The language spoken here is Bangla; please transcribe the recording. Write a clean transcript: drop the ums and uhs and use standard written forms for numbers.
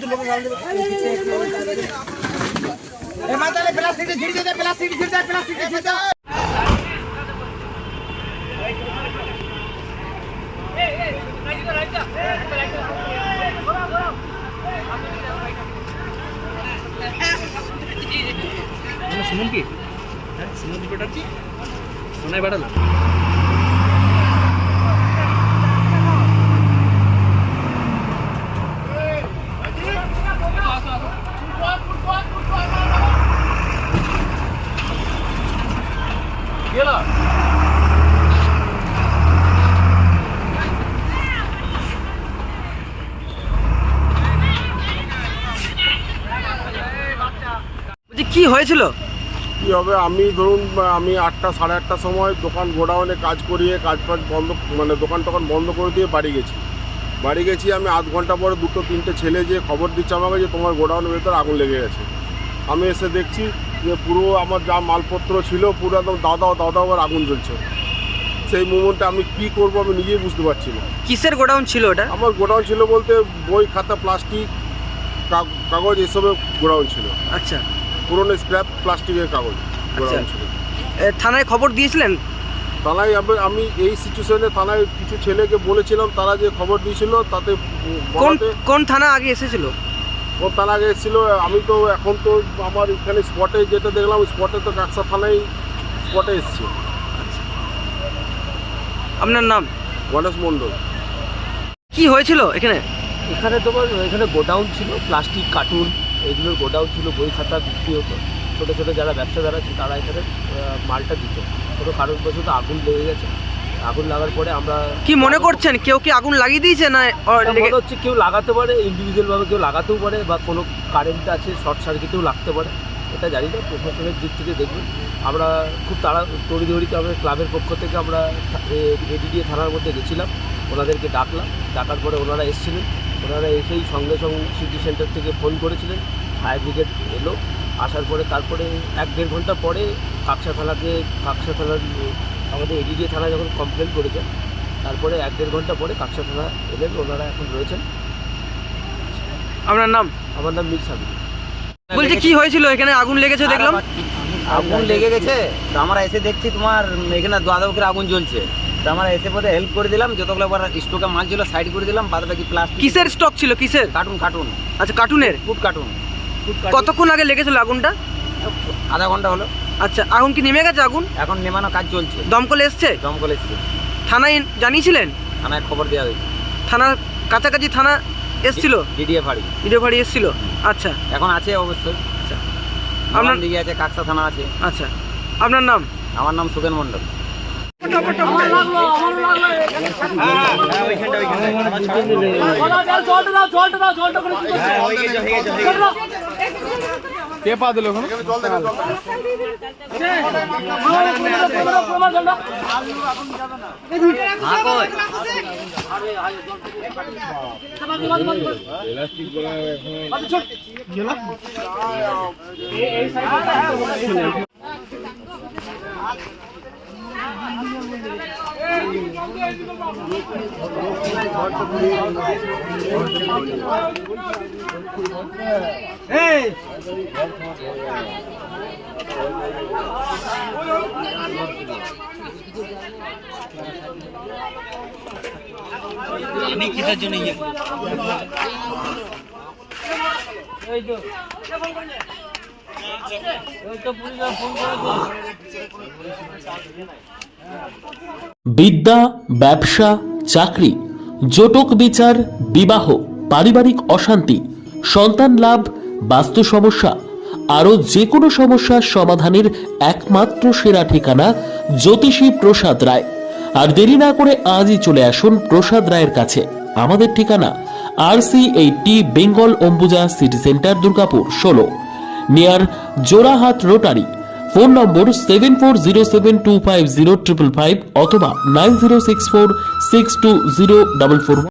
सुमन की सुमन बेटा की सोना बेटा ना কি হয়েছিল? কি হবে, আমি ধরুন আমি 8টা সাড়ে 8টার সময় দোকান গোডাউনে কাজ করিয়ে কাজ বন্ধ, মানে দোকান টোকান বন্ধ করে দিয়ে বাড়ি গেছি। আমি আধ ঘন্টা পরে 2-3টে ছেলে যে খবর দিচ্ছে আমাকে যে তোমার গোডাউনের ভেতর আগুন লেগে গেছে। আমি এসে দেখছি যে পুরো আমার যা মালপত্র ছিল পুরো একদম দাদা আবার আগুন জ্বলছে। সেই মুমেন্টে আমি কি করব আমি নিজেই বুঝতে পারছি না। কিসের গোডাউন ছিল ওটা? আমার গোডাউন ছিল বলতে বই খাতা প্লাস্টিক কাগজ এসবের গোডাউন ছিল। আচ্ছা, পুরনো স্ক্র্যাপ প্লাস্টিকের কাগজ গোডাউন ছিল। থানায় খবর দিয়েছিলেন? থানায় আমি এই সিচুয়েশনে থানায় কিছু ছেলেকে বলেছিলাম, তারা যে খবর দিয়েছিল তাতে কোন থানা আগে এসেছিল? কোন থানা আগে এসেছিল আমি তো এখন তো আমার এখানে স্পটে যেটা দেখলাম স্পটে তো কাকসা থানায় স্পটে এসেছে। আপনার নাম? গণেশ মণ্ডল। কি হয়েছিল এখানে? তোমার এখানে গোডাউন ছিল, প্লাস্টিক কার্টুন এগুলোর গোডাউন ছিল, বই খাতা বিক্রি হতো। ছোটো ছোটো যারা ব্যবসাদার আছে তারা এখানে মালটা দিত। কোনো কারণবশত আগুন লেগে গেছে। আগুন লাগার পরে আমরা কি মনে করছেন, কেউ কি আগুন লাগিয়ে দিয়েছে না মনে হচ্ছে কেউ লাগাতে পারে, ইন্ডিভিজুয়ালভাবে কেউ লাগাতেও পারে বা কোনো কারেন্ট আছে শর্ট সার্কিটেও লাগতে পারে, এটা জানি না। প্রশাসনের দিক থেকে দেখবেন আমরা খুব তড়িঘড়িতে আমরা ক্লাবের পক্ষ থেকে আমরা এডিডিএ থানার মধ্যে গেছিলাম, ওনাদেরকে ডাকার পরে ওনারা এসেছিলেন। ওনারা এসেই সঙ্গে সিটি সেন্টার থেকে ফোন করেছিলেন, ফায়ার ব্রিগেড এলো। আসার পরে তারপরে 1-1.5 ঘন্টা পরে কাকসা থানার আমাদের এডিডিএ থানা যখন কমপ্লেন করেছে, তারপরে 1-1.5 ঘন্টা পরে কাকসা থানা এলেন, ওনারা এখন রয়েছেন। আপনার নাম? আমার নাম মীর সাবির। বলছি কি হয়েছিল এখানে? আগুন লেগেছে দেখলাম। আগুন লেগে গেছে তো আমরা এসে দেখছি তোমার এখানে দাদা আগুন জ্বলছে। তো আমরা এসে পরে হেল্প করে দিলাম, যতগুলো স্টকে মাল ছিল সাইড করে দিলাম, বাদ বাকি প্লাস্টিক। কিসের স্টক ছিল? কিসের? কার্টুন। আচ্ছা, কার্টুনের? Food carton. কতক্ষণ আগে লেগেছিল আগুনটা? আধা ঘন্টা হলো। আচ্ছা, আগুন কি নেমে গেছে? আগুন এখন নেমানো কাজ চলছে। দমকল এসছে? দমকল এসছে। থানায় জানিয়েছিলেন? থানায় খবর দেওয়া হয়েছে। থানার কাছাকাছি থানা এসছিল? ডিডিএ ফাঁড়ি এসছিল। আচ্ছা, এখন আছে অবশ্যই। আচ্ছা, আপনার দিকে আছে, কাকসা থানা আছে। আচ্ছা, আপনার নাম? আমার নাম সুগেন মণ্ডল। কে পা দিল এখন? আমি কিসের জন্য বিদ্যা, ব্যবসা, চাকরি, জটক বিচার, বিবাহ, পারিবারিক অশান্তি, সন্তান লাভ, বাস্তু সমস্যা, আরো যে কোনো সমস্যার সমাধানের একমাত্র সেরা ঠিকানা জ্যোতিষী প্রসাদ রায়। আর দেরি না করে আজই চলে আসুন প্রসাদ রায়ের কাছে। আমাদের ঠিকানা RC80 Bengal Ambuja city centre, Durgapur 16, near Jorahat rotary. Phone number 7407250555 অথবা 9064620444।